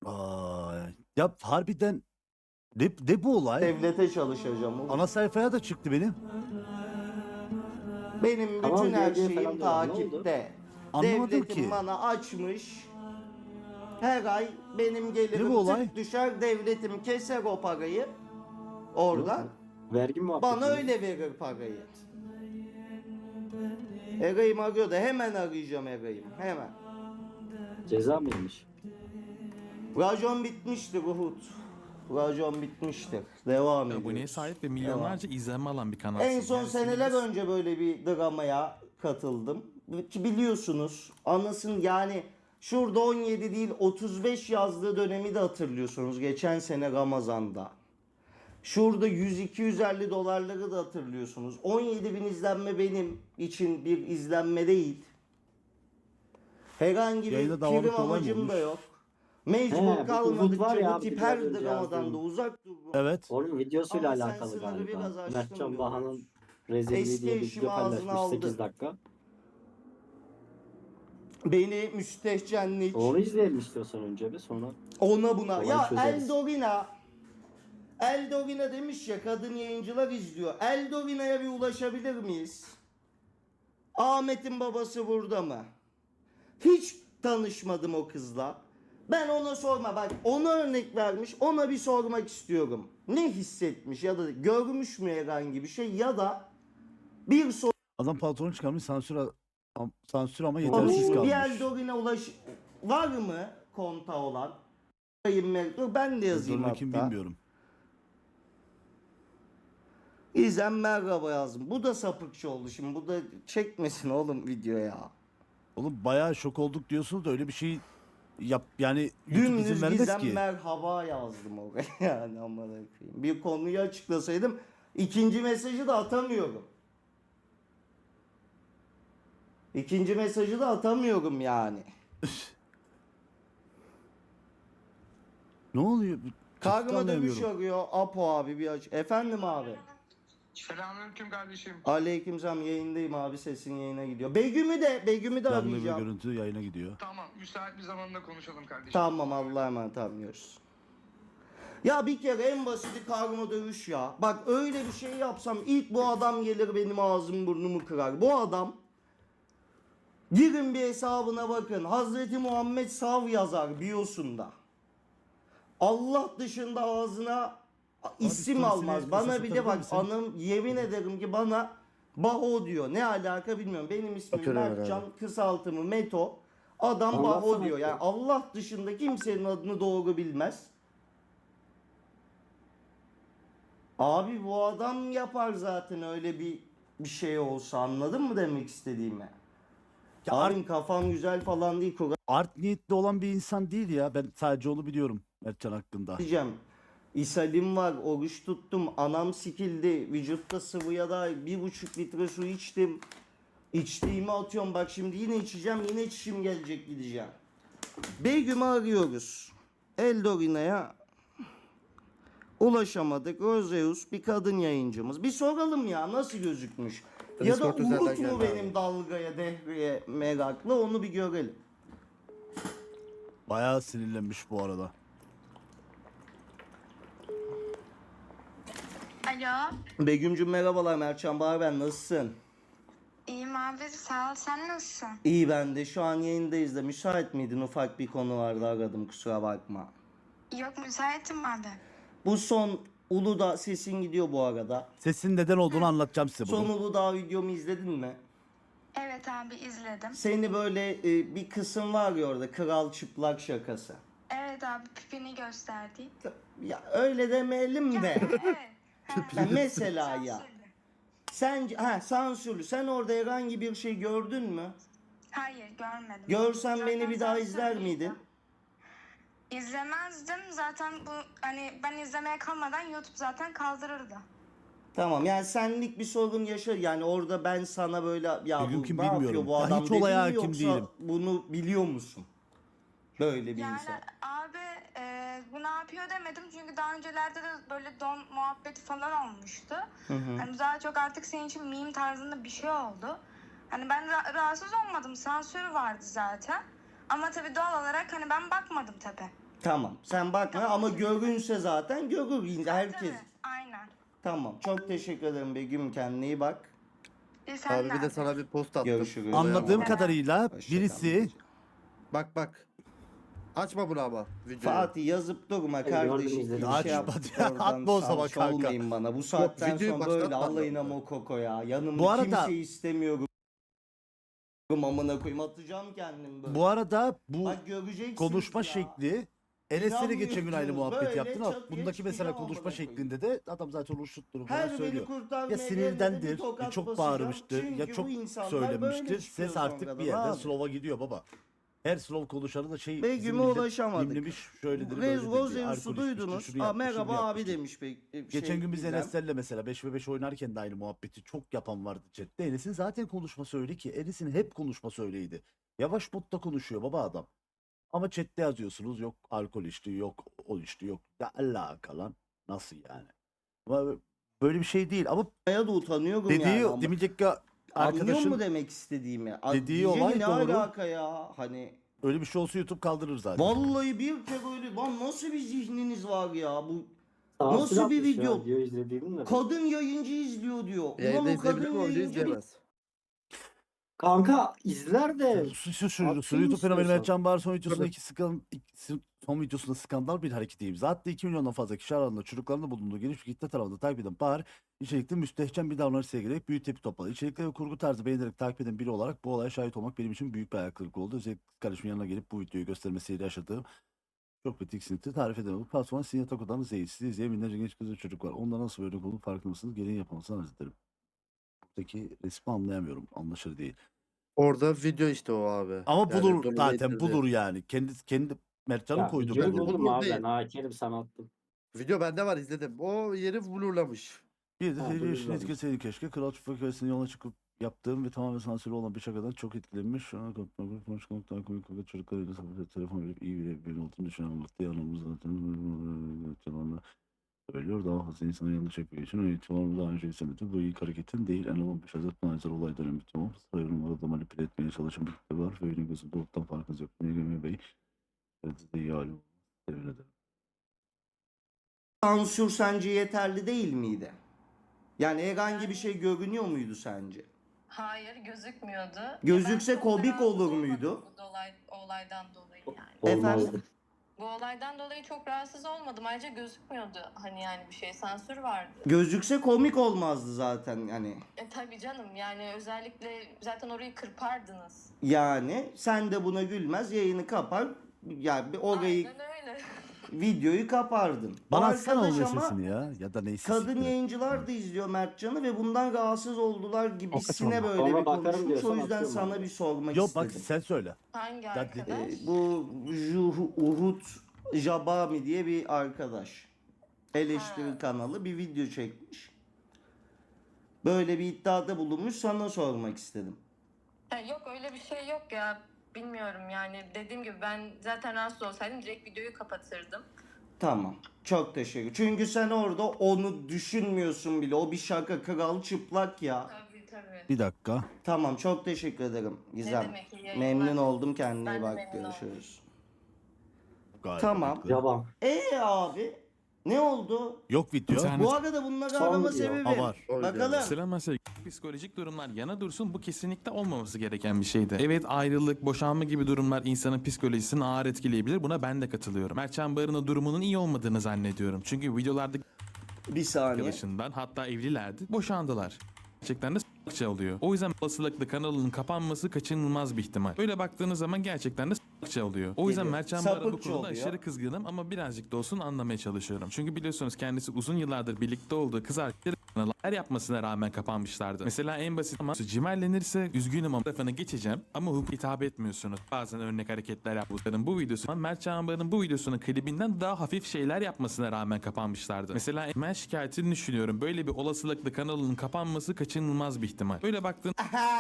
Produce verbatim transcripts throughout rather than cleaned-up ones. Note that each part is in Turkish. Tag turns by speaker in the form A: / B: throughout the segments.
A: Aa, ya harbiden ne, ne bu olay?
B: Devlete çalışacağım. oğlum.
A: Ana sayfaya da çıktı benim.
B: Benim
C: Tamam,
B: bütün her
C: diye- diye
B: şeyim
C: falan diyorlar. Ne oldu?
B: takipte.
A: Anlamadım
B: Devletim
A: ki.
B: bana açmış. Her ay benim
A: Ne bu
B: gelirim
A: olay?
B: tık düşer, devletim keser o parayı. Oradan.
C: Vergi muhabbeti.
B: Bana öyle verir parayı. Eray'ım arıyor da hemen arayacağım Eray'ım. Hemen.
C: Ceza mıymış?
B: Racon bitmiştir Uhud. Racon bitmiştir. Devam ediyoruz.
D: Aboneye sahip ve milyonlarca izlenme alan bir kanal.
B: En son seneler önce böyle bir dramaya katıldım. Ki biliyorsunuz anasın yani şurada on yedi değil otuz beş yazdığı dönemi de hatırlıyorsunuz. Geçen sene Ramazan'da. Şurada yüz iki yüz elli dolarları da hatırlıyorsunuz. on yedi bin izlenme benim için bir izlenme değil. Herhangi bir
A: Yayında davanlık
B: prim
A: olay mı
B: amacım da
A: olmuş?
B: yok. Mecbur
C: He, bu Uhud var
B: kalmadıkça
C: ya
B: bu
C: abi,
B: tip
C: biraz
B: her
C: önce
B: dramadan
C: yazdığım.
B: da uzak dururum.
A: Evet.
C: Onun videosuyla
B: Ama sen
C: alakalı
B: sınırı biraz
C: galiba.
B: aştın
C: Mertcan
B: diyoruz.
C: Baha'nın rezilliği
B: Eski
C: diye bir
B: eşimi
C: video
B: ağzına
C: paylaşmış
B: aldı.
C: sekiz dakika.
B: Beni müstehcenlik.
C: Onu izleyelim istiyorsan önce bir, sonra.
B: Ona buna.
C: Olayı
B: Ya
C: çözeriz.
B: Eldorina. Eldorina demiş ya kadın yayıncılar izliyor. Eldorina'ya bir ulaşabilir miyiz? Ahmet'in babası burada mı? Hiç tanışmadım o kızla. Ben ona sorma bak ona örnek vermiş ona bir sormak istiyorum. Ne hissetmiş ya da görmüş mü herhangi bir şey ya da bir soru.
A: Adam pantolon çıkarmış sansür, am- sansür ama yetersiz
B: Bir
A: kalmış.
B: Eldorina ulaş var mı konta olan? Dur ben de yazayım
A: Sonra
B: hatta.
A: kim bilmiyorum.
B: İzem merhaba yazdım. Bu da sapıkçı oldu şimdi. Bu da çekmesin oğlum video ya.
A: Oğlum bayağı şok olduk diyorsunuz da öyle bir şey yap yani YouTube izin
B: Dümdüz
A: vermez
B: Gizem
A: ki.
B: merhaba yazdım oraya yani amına koyayım. Bir konuyu açıklasaydım ikinci mesajı da atamıyorum. İkinci mesajı da atamıyorum yani.
A: Ne oluyor?
B: Kargıma dövüş
A: Anlayamıyorum.
B: arıyor. Apo abi bir aç. Efendim abi.
E: Selamünaleyküm kardeşim.
B: Aleykümselam yayındayım abi sesin yayına gidiyor. Begüm'ü de Begüm'ü de
A: Canlı bir
B: arayacağım.
A: görüntü yayına gidiyor.
E: Tamam, müsait bir zamanda konuşalım kardeşim.
B: Tamam Allah'a emanet anlıyoruz. Ya bir kere en basiti karma dövüş ya. Bak öyle bir şey yapsam ilk bu adam gelir benim ağzım burnumu kırar. Bu adam girin bir hesabına bakın. Hazreti Muhammed Sav yazar biosunda. Allah dışında ağzına isim
A: storiesine
B: almaz.
A: kısa
B: Bana bile bak
A: satabilir misin?
B: anım yemin ederim ki bana Baho diyor. Ne alaka bilmiyorum. Benim ismim
C: Bakıyorum
B: Mertcan kısaltımı Meto. Adam
C: Anlatsana
B: Baho diyor.
C: işte.
B: Yani Allah dışında kimsenin adını doğru bilmez. Abi bu adam yapar zaten öyle bir bir şey olsa anladın mı demek istediğimi?
A: Ya
B: Abim kafam güzel falan değil Kur'an
A: Art niyetli olan bir insan değil ya. Ben sadece onu biliyorum Mertcan hakkında.
B: diyeceğim. İshalim var, oruç tuttum, anam sikildi, vücutta sıvıya da bir buçuk litre su içtim. İçtiğimi atıyorum bak şimdi yine içeceğim yine çişim gelecek gideceğim. Begüm'ü arıyoruz. Eldorina'ya ulaşamadık. Roseus bir kadın yayıncımız. Bir soralım ya nasıl gözükmüş? Ya da Umut mu benim dalgaya, dehreye meraklı onu bir görelim.
A: Bayağı sinirlenmiş bu arada.
F: Alo.
B: Begüm'cüm merhabalar Mertcan Bahar ben nasılsın?
F: İyiyim abi sağ ol. Sen nasılsın?
B: İyi ben de şu an yayındayız da müsait miydin? Ufak bir konu vardı aradım kusura bakma.
F: Yok müsaitim abi.
B: Bu son Uludağ sesin gidiyor bu arada.
A: Sesin neden olduğunu anlatacağım size
B: Son
A: bunu.
B: Uludağ videomu izledin mi?
F: Evet abi izledim.
B: Seni böyle e, bir kısım var ya orada kral çıplak şakası.
F: Evet abi pipini gösterdi.
B: Ya öyle demeyelim de.
F: Evet.
B: Ya mesela ya.
F: Sansürlü.
B: Sen ha sansürlü. Sen orada herhangi bir şey gördün mü?
F: Hayır görmedim.
B: Görsen
F: Zaten
B: beni bir daha izler
F: sansürlüydü.
B: miydin?
F: İzlemezdim. Zaten bu hani ben izlemeye kalmadan YouTube zaten kaldırırdı.
B: Tamam yani senlik bir sorun yaşa yani orada ben sana böyle ya
A: Bugün
B: bu
A: kim
B: ne yapıyor
A: bilmiyorum.
B: bu
A: Ya
B: adam
A: hiç
B: dedim
A: olaya
B: mi
A: hakim
B: yoksa
A: değilim.
B: bunu biliyor musun? Böyle bir
F: Yani
B: insan.
F: abi e, bu ne yapıyor demedim çünkü daha öncelerde de böyle don muhabbeti falan olmuştu.
B: Hı hı.
F: Hani daha çok artık senin için meme tarzında bir şey oldu. Hani ben ra- rahatsız olmadım, sansür vardı zaten. Ama tabii doğal olarak hani ben bakmadım tabii.
B: Tamam. Sen bakma ama görünse zaten görür herkes.
F: Tabii, aynen.
B: Tamam. Çok teşekkür ederim Begüm. Kendine iyi bak.
F: Bir sen
G: Abi bir de
F: nerede?
G: sana bir post attım.
B: Görüşürüz.
A: Anladığım
F: Evet.
A: kadarıyla
B: Hoşça kal.
A: birisi
G: Bak bak. Açma bunu ama videoyu.
B: Fatih yazıp durma
C: Gördüm,
B: kardeşim.
C: izledim.
B: Bir
A: Açma
B: şey yap,
A: ya,
B: oradan
A: atma o zaman
B: salça
A: kanka.
B: olmayın bana. Bu saatten
G: videoyu
B: sonra böyle
G: başlatma.
B: alayına mokoko ya. Yanımda
A: Bu arada-
B: kimseyi istemiyorum. Amına koyayım atacağım kendimi böyle.
A: bu arada bu
B: Bak göreceksiniz
A: konuşma
B: ya.
A: şekli Enes'le de geçen gün aynı
B: İnanmıyorsunuz.
A: muhabbet
B: Böyle
A: yaptın ama
B: çat diye
A: bundaki mesela
B: çıkacağım
A: konuşma
B: amına koyayım.
A: şeklinde de adam zaten uçuttuğunu falan
B: Her beni
A: söylüyor.
B: kurtarmaya
A: Ya
B: gelene
A: sinirdendir,
B: bir tokat
A: ya çok
B: basacağım.
A: bağırmıştır, ya
B: Çünkü
A: çok
B: bu insanlar böyle
A: söylemiştir.
B: çıkıyor
A: Ses artık
B: sonradan
A: bir yerden
B: abi.
A: slow'a gidiyor baba. Her slow konuşanı da şey
B: Begüm'e
A: bizim millet
B: ulaşamadık.
A: dinlemiş şöyledir
B: Rez
A: böyledir diye.
B: Roseus'u
A: Alkol içmiştir,
B: duydunuz.
A: şunu
B: Aa,
A: yapmıştır, bunu
B: merhaba abi
A: yapmıştır.
B: demiş. Be, e,
A: Geçen
B: şey,
A: gün biz
B: Gizem.
A: Enes'lerle mesela beş ve beş oynarken de aynı muhabbeti çok yapan vardı chatte. Enes'in zaten konuşması öyle ki. Enes'in hep konuşması öyleydi. Yavaş modda konuşuyor baba adam. Ama chatte yazıyorsunuz yok alkol içti, yok o içti, yok. Ya alaka lan. Nasıl yani? Ama böyle bir şey değil. Ama
B: Ya da utanıyorum
A: dediği,
B: yani. ama-
A: demeyecek ki
B: Anlıyor mu
A: arkadaşın
B: demek istediğimi? A-
A: dediği
B: diyeceğim
A: olay
B: ne
A: doğru.
B: alaka ya? Hani
A: öyle bir şey olsa YouTube kaldırır zaten.
B: vallahi bir kere öyle lan nasıl bir zihniniz var ya bu
C: Sansür
B: Nasıl bir
C: atmış ya,
B: video?
C: Video izlediğim de.
B: kadın yayıncı izliyor diyor. Ulan
G: Yayında
B: o
G: izleyebilir
B: kadın
G: mi? Orada
B: yayıncı bir
G: izleyemez.
C: Kanka izler de.
A: Şu şu şu
C: Attın
A: şu
C: mı
A: YouTube fenomeni
C: istiyorsan?
A: Mertcan Bahar son videosunda
G: Tabii.
A: iki skandal, iki- son videosunda skandal bir hareketi imza attı. iki milyondan fazla kişi arasında çocuklarında bulunduğu geniş bir kitle tarafından takip eden Bahar içerikli müstehcen bir davranış sergileyerek büyük tepki topladı. İçerikleri ve kurgu tarzı beğenerek takip eden biri olarak bu olaya şahit olmak benim için büyük bir ayak kırıklığı oldu. Özellikle kız kardeşimin yanına gelip bu videoyu göstermesiyle yaşadığım çok bir tiksinti tarif edemem. Bu platformın sizin yatak odanız değil. Sizi izleyen binlerce genç kız ve çocuk var. Onlar nasıl böyle olduğunu farkında mısınız? Gelin yapılmasını arz ederim. Buradaki resmi anlayamıyorum. Anlaşılır değil.
G: Orada video işte o abi.
A: Ama
G: Yani
A: bulur
G: durumu
A: zaten
G: getirdi.
A: bulur yani. Kendi kendi Mertcan'ın
C: Ya,
A: koyduğu
C: videoyu
A: bulur.
C: buldum abi
G: Değil.
C: ben. Hakerim sana attım.
G: Video bende var izledim. O yeri blurlamış.
A: Bir de
C: Ha,
A: seyirci
C: buyurun
A: yaşını
C: abi.
A: etkileseydi keşke. Kral Çıplak Hevesi'nin yola çıkıp yaptığım ve tamamen sansürlü olan bir şakadan çok etkilenmiş. Şu an konuşmak, konuşmak, daha komik fakat çocuklarıyla sohbet telefon verip iyi bir bir olduğunu düşünen anlattı. Yanımız zaten yalanla söylüyor. Daha fazla insana yanlış yapıyor için öyle tamam daha önce izlemedim. Bu ilk hareketin değil. En on beş Hazret Nazer olay dönemi tamam. Sayıyorum orada manipüle etmeye çalışan bir kitle var. Ve benim gözümde ortadan farkınız yok. Neyge Bey. Evet de iyi halim. Temin ederim.
B: sansür sence yeterli değil miydi? Yani herhangi bir şey görünüyor muydu sence?
F: Hayır gözükmüyordu.
B: Gözükse
F: Ben çok
B: komik
F: rahatsız
B: olur
F: olmadım
B: muydu?
F: Bu olay, olaydan dolayı yani.
B: Efendim?
C: Olmazdı.
F: Bu olaydan dolayı çok rahatsız olmadım. Ayrıca gözükmüyordu hani yani bir şey sansür vardı.
B: Gözükse komik olmazdı zaten hani.
F: E tabii canım yani özellikle zaten orayı kırpardınız.
B: Yani sen de buna gülmez yayını kapar. Yani bir orayı
F: Aynen öyle.
B: videoyu kapardın.
A: Bana
B: O
A: atsana onun
B: arkadaş ama
A: sesini ya. Ya da neyse.
B: kadın
A: siktir.
B: yayıncılar da izliyor Mertcan'ı ve bundan rahatsız oldular gibisine
D: Hakikaten.
B: böyle
C: Sonra
B: bir
C: bakarım
B: konuşmuş. O
C: diyorsan
B: yüzden
C: atıyorum
B: sana
C: abi.
B: bir sormak
A: Yok bak
B: istedim.
A: sen söyle.
F: Hangi
A: Ya,
F: arkadaş?
B: Ee, bu Juh- Uhud Jabami diye bir arkadaş. Eleştiri
F: Ha.
B: kanalı bir video çekmiş. Böyle bir iddiada bulunmuş sana sormak istedim.
F: Ha, yok öyle bir şey yok ya. Bilmiyorum yani dediğim gibi ben zaten rahatsız olsaydım direkt videoyu kapatırdım.
B: Tamam. Çok teşekkür. Çünkü sen orada onu düşünmüyorsun bile. O bir şaka kral çıplak ya.
F: Tabii tabii.
A: Bir dakika.
B: Tamam çok teşekkür ederim
F: Ne
B: Gizem.
F: demek iyi yayınlar.
B: Memnun oldum kendine
F: Ben
B: iyi
F: de
B: bak
F: memnun oldum.
B: görüşürüz.
A: Gayet
B: Tamam.
A: mantıklı.
C: Yaban.
B: Ee abi ne oldu?
A: Yok video.
D: Sen-
B: Bu arada bunları
C: Son
B: arama
C: video.
B: sebebi.
A: Ha, var.
G: O
B: Bakalım.
G: video.
D: Selam mesela psikolojik durumlar yana dursun bu kesinlikle olmaması gereken bir şeydi. Evet ayrılık, boşanma gibi durumlar insanın psikolojisini ağır etkileyebilir. Buna ben de katılıyorum. Mertcan Barın'ın o durumunun iyi olmadığını zannediyorum. Çünkü videolarda
B: Bir saniye.
D: arkadaşından hatta evlilerdi boşandılar. Gerçekten de s**kça oluyor. O yüzden olasılıkla kanalının kapanması kaçınılmaz bir ihtimal. Öyle baktığınız zaman gerçekten de s**kça oluyor. O yüzden
B: Geliyor.
D: Mertcan Barın bu
B: Sapıkça
D: konuda
B: oluyor.
D: aşırı kızgınım ama birazcık da olsun anlamaya çalışıyorum. Çünkü biliyorsunuz kendisi uzun yıllardır birlikte olduğu kız arkadaşları kanalı yapmasına rağmen kapanmışlardı. Mesela en basit ama cimerlenirse üzgünüm ama tarafına geçeceğim ama hukuk hitap etmiyorsunuz. Bazen örnek hareketler yapmışların bu videosu Mertcan Barın bu videosunun klibinden daha hafif şeyler yapmasına rağmen kapanmışlardı. Mesela ben şikayetini düşünüyorum. Böyle bir olasılıkla kanalının kapanması kaçınılmaz bir ihtimal. Böyle baktığın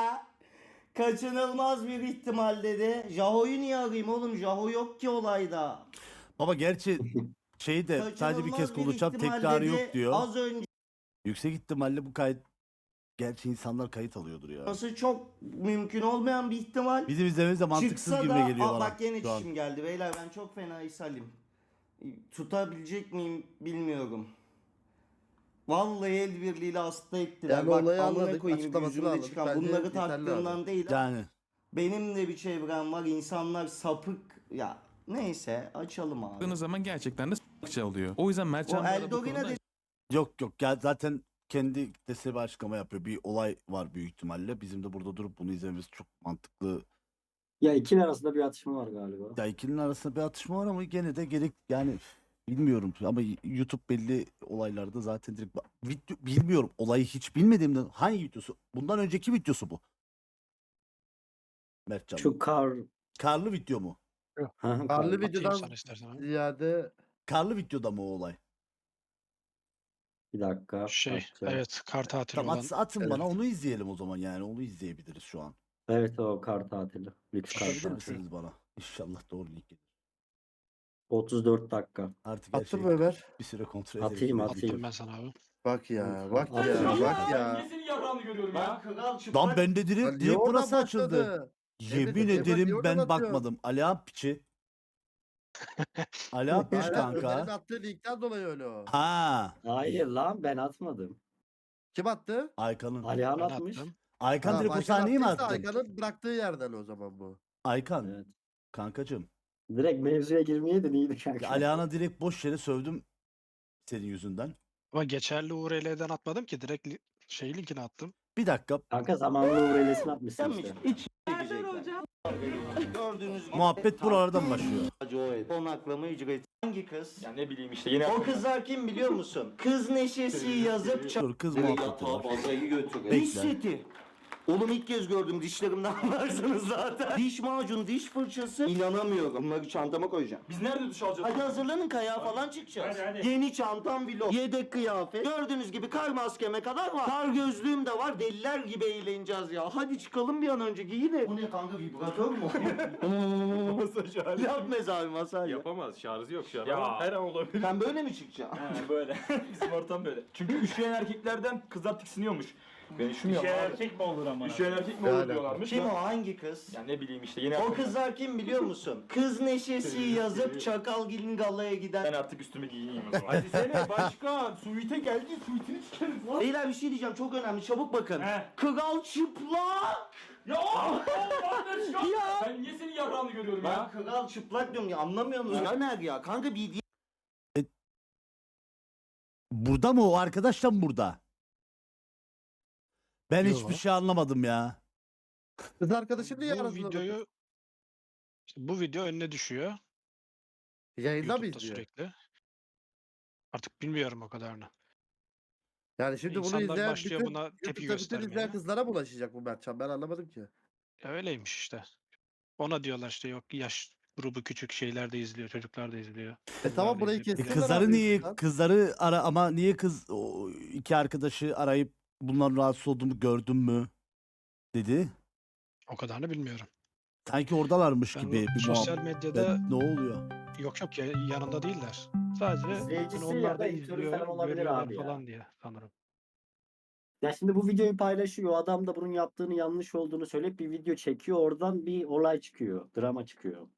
B: Kaçınılmaz bir ihtimal dedi. Jaho'yu niye arayayım oğlum? Jaho yok ki olayda.
A: Baba gerçi şeyde sadece bir kez
B: Kaçınılmaz
A: konuşacağım
B: ihtimal
A: tekrarı
B: dedi.
A: yok diyor.
B: Az önce
A: Yüksek ihtimalle bu kayıt gerçi insanlar kayıt alıyordur ya.
B: Nasıl çok mümkün olmayan bir ihtimal.
A: Bizim izlememiz de mantıksız
B: Çıksa
A: gibi
B: da
A: geliyor
B: Aa,
A: bana.
B: bak gene
A: şu an.
B: çişim geldi beyler ben çok fena ishalim. Tutabilecek miyim bilmiyorum. Vallahi el birliğiyle hasta ettiler.
G: Yani
B: Bak
G: olayı
B: amına
G: anladık,
B: koyayım
G: açıklamasını
B: yüzümde
G: anladık.
B: çıkan.
G: Bence
B: Bunları
G: yeterli
B: taktığımdan
G: abi.
B: değil.
A: Yani
B: Benim de bir çevrem var. İnsanlar sapık. Ya neyse açalım abi.
D: Baktığınız zaman gerçekten de s**kça oluyor. O yüzden
B: O
D: Mertcan Bey'e bu
B: Eldorina
D: konuda
A: yok yok ya zaten kendi kitlesi bir açıklama yapıyor. Bir olay var büyük ihtimalle. Bizim de burada durup bunu izlememiz çok mantıklı.
C: Ya ikili arasında bir atışma var galiba.
A: Ya ikilinin arasında bir atışma var ama gene de gerek yani bilmiyorum ama YouTube belli olaylarda zaten direkt ba- video, bilmiyorum olayı hiç bilmediğimden hangi videosu? Bundan önceki videosu bu. Mertcan.
C: Şu kar...
A: Karlı video mu?
C: Hı hı,
G: Karlı
C: kar-
H: Atayım
G: videodan
H: sana istersen abi.
G: ziyade
A: Karlı videoda mı o olay?
C: Bir dakika.
H: Şey,
C: bakacağım.
H: evet kar tatili
A: Tamam
H: olan.
A: at, atın
G: evet.
A: bana onu izleyelim o zaman yani onu izleyebiliriz şu an.
C: Evet o kar tatili. Lüks kar
A: Atabilir
C: tatili.
A: misiniz bana? İnşallah doğru link gelir.
C: otuz dört dakika.
A: Artık her
G: attın
A: şey
G: mı Ömer?
A: bir süre kontrol
C: Atayım,
A: edelim.
C: atayım.
H: Attım ben sana abi.
G: Bak ya, bak ya,
C: Atayım.
G: bak ya.
I: Nesini yarrağını görüyorum
B: Ben
I: ya.
B: kral çıplak.
A: Lan ben de direkt,
G: Lan niye
A: direkt
G: oradan
A: burası açıldı.
G: başladı?
A: Yemin
G: Evet, Emre,
A: ederim
G: niye oradan
A: ben
G: atıyorsun?
A: bakmadım. Alihan piçi. Alihan piç
G: Aynen, Ömer'in
A: kanka.
G: attığı linkten dolayı öyle o.
A: Ha,
C: Hayır lan ben atmadım.
G: Kim attı?
A: Aykan'ın.
C: Alihan
H: Ben
C: atmış.
H: attım.
A: Aykan
G: Ha,
A: direkt o
G: Aykan
A: sahneyi mi
G: attıysa
A: attın?
G: Aykan'ın bıraktığı yerden o zaman bu.
A: Aykan,
C: Evet.
A: kankacığım.
C: Direkt mevzuya girmeyeydin iyiydi kanka.
A: Alihan'a direkt boş yere sövdüm senin yüzünden.
H: Ama geçerli U R L'den atmadım ki direkt li- şey linkini attım.
A: Bir dakika.
C: Kanka zamanlı uğrelesini atmışsın
B: Sen
C: işte.
B: mi? İç çekecekler. Gördüğünüz gibi.
A: Muhabbet buralardan başlıyor.
B: Konaklama ücreti. Hangi kız?
I: Ya ne bileyim işte yine.
B: O kızlar kim biliyor musun? Kız neşesi yazıp
A: Dur kız muhabbeti var.
B: bazayı götürüyor.
A: Bekle.
B: Diş seti. Oğlum ilk kez gördüm dişlerimden anlarsınız zaten. Diş macunu, diş fırçası. İnanamıyorum. Bunları çantama koyacağım.
I: Biz nerede duş alacağız?
B: Hadi hazırlanın kayağa falan çıkacağız.
I: Hadi, hadi.
B: Yeni çantam vlog. Yedek kıyafet. Gördüğünüz gibi kar maskeme kadar var. Kar gözlüğüm de var. Deliler gibi eğleneceğiz ya. Hadi çıkalım bir an önce giyin. Bu ne kanka vibratör mü?
I: Masaj hali.
B: Yap mezar masaj.
I: Yapamaz şarjı yok şu an. Ya. Her an olabilir.
B: Sen böyle mi çıkacaksın?
I: He böyle. Bizim ortam böyle. Çünkü üşüyen erkeklerden kızlar tiksiniyormuş. Ben üşümüyorum
J: Üşüyen
I: abi.
J: erkek mi olur ama?
I: Üşüyen erkek mi
G: Ne
I: olur
G: alaka?
I: diyorlarmış.
B: Kim
I: da-
B: o? Hangi kız?
I: Ya ne bileyim işte yine.
B: O kızlar kim biliyor musun? Kız neşesi yazıp Çakalgil'in galaya
I: Ben
B: giden.
I: artık üstümü giyineyim o zaman.
J: Hadi sene başkan. Suite geldi. Suite'ini çıkarız lan.
B: Beyler bir şey diyeceğim çok önemli çabuk bakın.
J: He.
B: Kral çıplak.
J: Ya Allah çıkar.
B: Ya.
J: Ben niye senin yarrağını görüyorum
B: Ben
J: ya?
B: kral çıplak diyorum ya anlamıyor musun? Ömer ya kanka bir diye.
A: Burada mı o arkadaş da mı burada? Ben
H: Yo.
A: hiçbir şey anlamadım ya.
G: Kız arkadaşım niye
H: Bu
G: arasında?
H: videoyu işte bu video önüne düşüyor.
G: Yayında mı
H: YouTube'da
G: izliyor?
H: sürekli. Artık bilmiyorum o kadarını.
G: Yani şimdi bunu
H: İnsanlar
G: izleyen
H: başlıyor
G: bütün,
H: buna tepki
G: YouTube'da bütün
H: göstermeye.
G: izleyen kızlara mı ulaşacak bu Mertcan? Ben anlamadım ki.
H: Ya öyleymiş işte. Ona diyorlar işte yok yaş grubu küçük şeyler de izliyor, çocuklar da izliyor.
G: E
H: Kızlar
G: tamam
H: da
G: burayı
H: izliyor.
A: E
G: kessinler
A: kızları
G: abi
A: niye
G: YouTube'dan.
A: kızları ara ama niye kız o iki arkadaşı arayıp bunların rahatsız olduğumu gördün mü dedi.
H: O kadarını bilmiyorum.
A: Sanki oradalarmış
H: Ben
A: gibi bir
H: sosyal
A: muhabbet.
H: medyada
A: Ne oluyor?
H: yok yok ya, yanında değiller. Sadece
C: İzleyicisi
H: hani
C: ya
H: onlar
C: da
H: da
C: editörü
H: izliyor,
C: falan olabilir
H: görüyorlar
C: abi ya.
H: falan diye sanırım.
C: Ya şimdi bu videoyu paylaşıyor. O adam da bunun yaptığını yanlış olduğunu söyleyip bir video çekiyor. Oradan bir olay çıkıyor. Drama çıkıyor.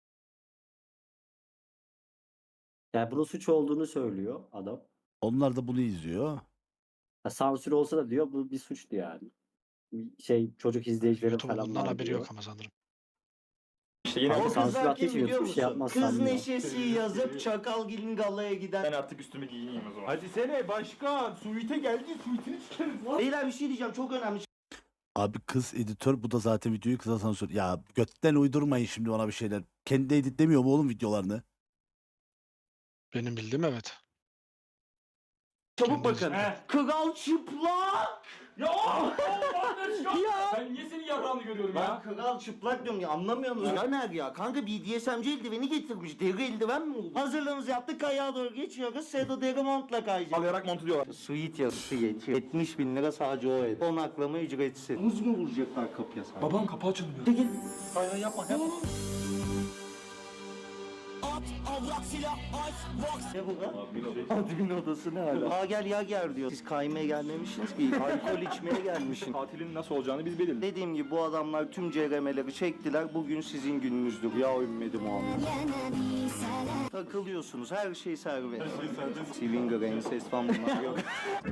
C: Yani bunun suç olduğunu söylüyor adam.
A: Onlar da bunu izliyor.
C: Ya sansür olsa da diyor bu bir suçtu yani. Bir Şey çocuk izleyicilerin
H: YouTube'un
C: falan
H: bundan
C: var
H: haberi
C: diyor.
H: yok ama sanırım.
I: İşte yine.
C: Kanka
B: O
C: sansür
B: kızlar
C: attığı
B: kim
C: için
B: biliyor
C: YouTube bir şey
B: musun?
C: yapmaz
B: Kız
C: sanmıyor.
B: neşesi yazıp Çakalgil'in galaya giden.
I: Ben artık üstümü giyineyim o zaman.
J: Hadi sene başkan. Suite geldi. Suite'ini çıkarız lan.
B: Beyler bir şey diyeceğim çok önemli.
A: Abi kız editör bu da zaten videoyu kıza sansür. Ya götten uydurmayın şimdi ona bir şeyler. Kendi editlemiyor mu oğlum videolarını?
H: Benim bildiğim evet.
B: Çabuk
H: Kendi
B: bakın.
J: He.
B: Kral çıplak.
J: Ya Allah çıkar.
B: Ya.
J: Ben niye senin yarrağını görüyorum
B: Ben
J: ya?
B: kral çıplak diyorum ya anlamıyor musun? Ömer ya kanka B D S M C eldiveni getirmiş. Deri eldiven mi oldu? Hazırlığımızı yaptık kayağa doğru geçiyoruz. Sedo deri montla kayacağız.
I: Alayarak montu diyorlar.
B: Suite ya suite. yetmiş bin lira sadece o ev. Konaklama ücretsiz. Muz mu vuracaklar kapıya sana?
I: Babam kapı açılmıyor.
B: Çekil.
I: Hayır yapma yapma.
B: Ne bu lan? Admin odası ne hala? Aa gel ya gel diyor. Siz kaymaya gelmemişsiniz ki. Alkol içmeye gelmişsiniz.
I: Tatilin nasıl olacağını biz belirledik.
B: Dediğim gibi bu adamlar tüm C R M'leri çektiler. Bugün sizin gününüzdür. Ya ümmeti Muhammed. Takılıyorsunuz. Her şey serbest. Her şey serbest. Swinger, ensest falan bunlar yok.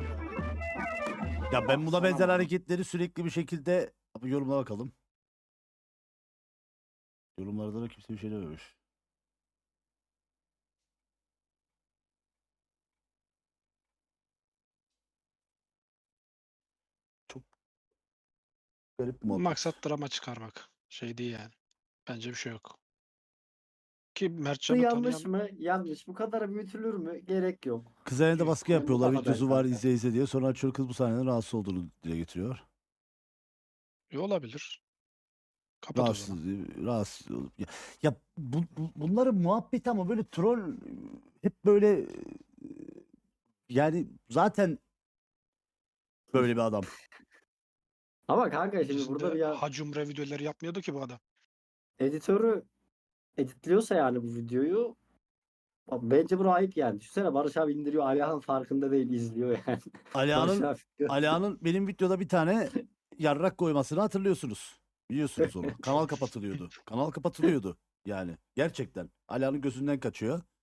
A: Ya ben buna benzer hareketleri sürekli bir şekilde abi yorumlara bakalım. Yorumlarda da kimse bir şey dememiş. Çok garip bir muhabbet.
H: Maksat drama çıkarmak. Şey değil yani. Bence bir şey yok. Ki
C: Bu
H: Mertcan'ı
C: yanlış
H: tanıyan...
C: mı? Yanlış. Bu kadar büyütülür mü? Gerek yok.
A: Kız elinde baskı
C: Benim
A: yapıyorlar.
C: bana
A: Videosu
C: benzer
A: var
C: zaten.
A: izle izle diye. Sonra açıyor kız bu sahneden rahatsız olduğunu dile getiriyor.
H: E, olabilir. Kapat o
A: Rahatsız,
H: zaman.
A: rahatsız olup. Ya, ya bu, bu- bunların muhabbeti ama böyle troll hep böyle yani zaten böyle bir adam.
C: Ama kanka şimdi
H: Öncesinde
C: burada bir ya
H: Hacumre videoları yapmıyordu ki bu adam.
C: editörü editliyorsa yani bu videoyu abi bence bu ayıp yani. Düşünsene Barış abi indiriyor. Alihan farkında değil izliyor yani. Barış
A: Alihan'ın
C: abi diyor.
A: Alihan'ın benim videoda bir tane yarrak koymasını hatırlıyorsunuz. Biliyorsunuz onu. Kanal kapatılıyordu. Kanal kapatılıyordu yani. Gerçekten. Alihan'ın gözünden kaçıyor.